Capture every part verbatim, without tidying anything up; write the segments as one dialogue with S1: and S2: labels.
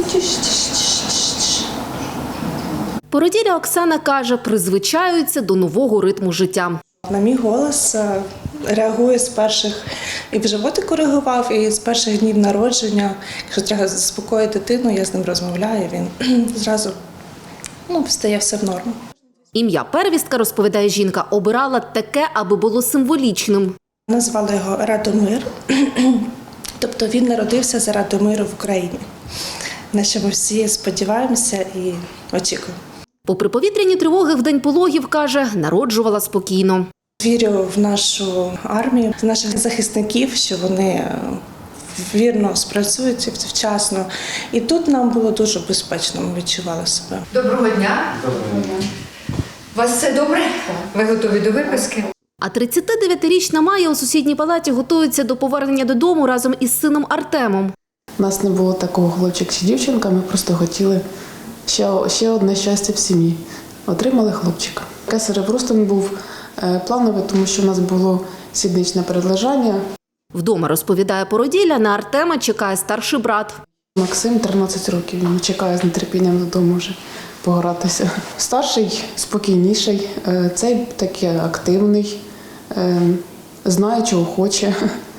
S1: Породілля Оксана каже, призвичаються до нового ритму життя.
S2: На мій голос реагує з перших, і в животі коригував, і з перших днів народження. Якщо треба заспокоїти дитину, я з ним розмовляю, він зразу ну, встає все в норму.
S1: Ім'я первістка, розповідає жінка, обирала таке, аби було символічним.
S2: Назвали його Радомир, тобто він народився заради миру в Україні, на що ми всі сподіваємося і очікуємо.
S1: Попри повітряні тривоги в день пологів, каже, народжувала спокійно.
S2: Вірю в нашу армію, в наших захисників, що вони вірно спрацюють вчасно. І тут нам було дуже безпечно, ми відчували себе.
S3: Доброго дня. Доброго дня. У вас все добре? Ви готові до виписки?
S1: А тридцятидев'ятирічна Майя у сусідній палаті готується до повернення додому разом із сином Артемом.
S4: У нас не було такого хлопчик чи дівчинка, ми просто хотіли ще, ще одне щастя в сім'ї. Отримали хлопчика. Кесарев розтин був плановий, тому що у нас було сідничне передлежання.
S1: Вдома, розповідає породілля, на Артема чекає старший брат.
S4: Максим тринадцять років, він чекає з нетерпінням додому вже погратися. Старший спокійніший, цей такий активний, знає, чого хоче.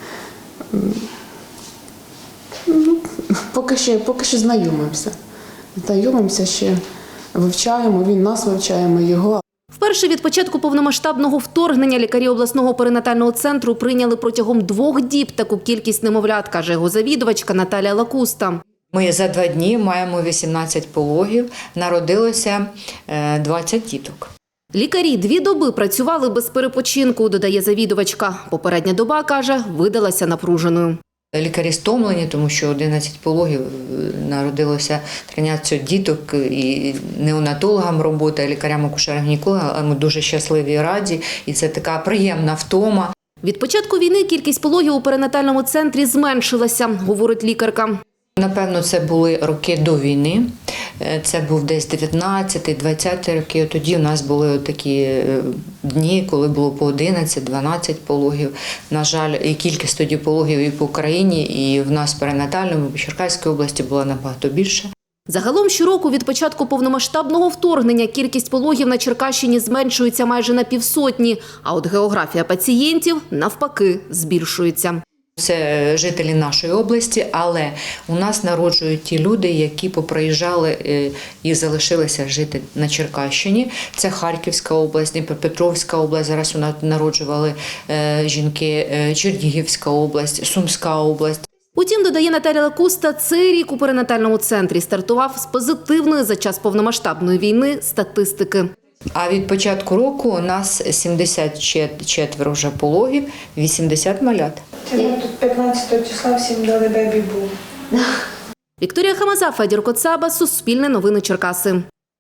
S4: Поки що, поки що знайомимося. Знайомимося ще, вивчаємо, він нас вивчає, ми його.
S1: Вперше від початку повномасштабного вторгнення лікарі обласного перинатального центру прийняли протягом двох діб таку кількість немовлят, каже його завідувачка Наталія Лакуста.
S3: Ми за два дні маємо вісімнадцять пологів, народилося двадцять діток.
S1: Лікарі дві доби працювали без перепочинку, додає завідувачка. Попередня доба, каже, видалася напруженою.
S3: Лікарі стомлені, тому що одинадцять пологів, народилося тринадцять діток, і неонатологам робота, і лікарям-акушерам-гінекологам. Ми дуже щасливі і раді, і це така приємна втома.
S1: Від початку війни кількість пологів у перинатальному центрі зменшилася, говорить лікарка.
S3: Напевно, це були роки до війни. Це був десь дев'ятнадцяті-двадцяті роки. Тоді у нас були такі дні, коли було по одинадцять-дванадцять пологів. На жаль, і кількість тоді пологів і по Україні, і в нас в перинатальному, в Черкаській області була набагато більше.
S1: Загалом щороку від початку повномасштабного вторгнення кількість пологів на Черкащині зменшується майже на півсотні, а от географія пацієнтів, навпаки, збільшується.
S3: Це жителі нашої області, але у нас народжують ті люди, які поприїжджали і залишилися жити на Черкащині. Це Харківська область, Дніпропетровська область, зараз у нас народжували жінки, Чернігівська область, Сумська область.
S1: Утім, додає Наталія Лакуста, цей рік у перинатальному центрі стартував з позитивної за час повномасштабної війни статистики.
S3: А від початку року у нас сімдесят четверо вже пологів, вісімдесят малят.
S2: Тут п'ятнадцятого числа всім дали бебі-бум.
S1: Вікторія Хамаза, Федір Коцаба, Суспільне новини Черкаси.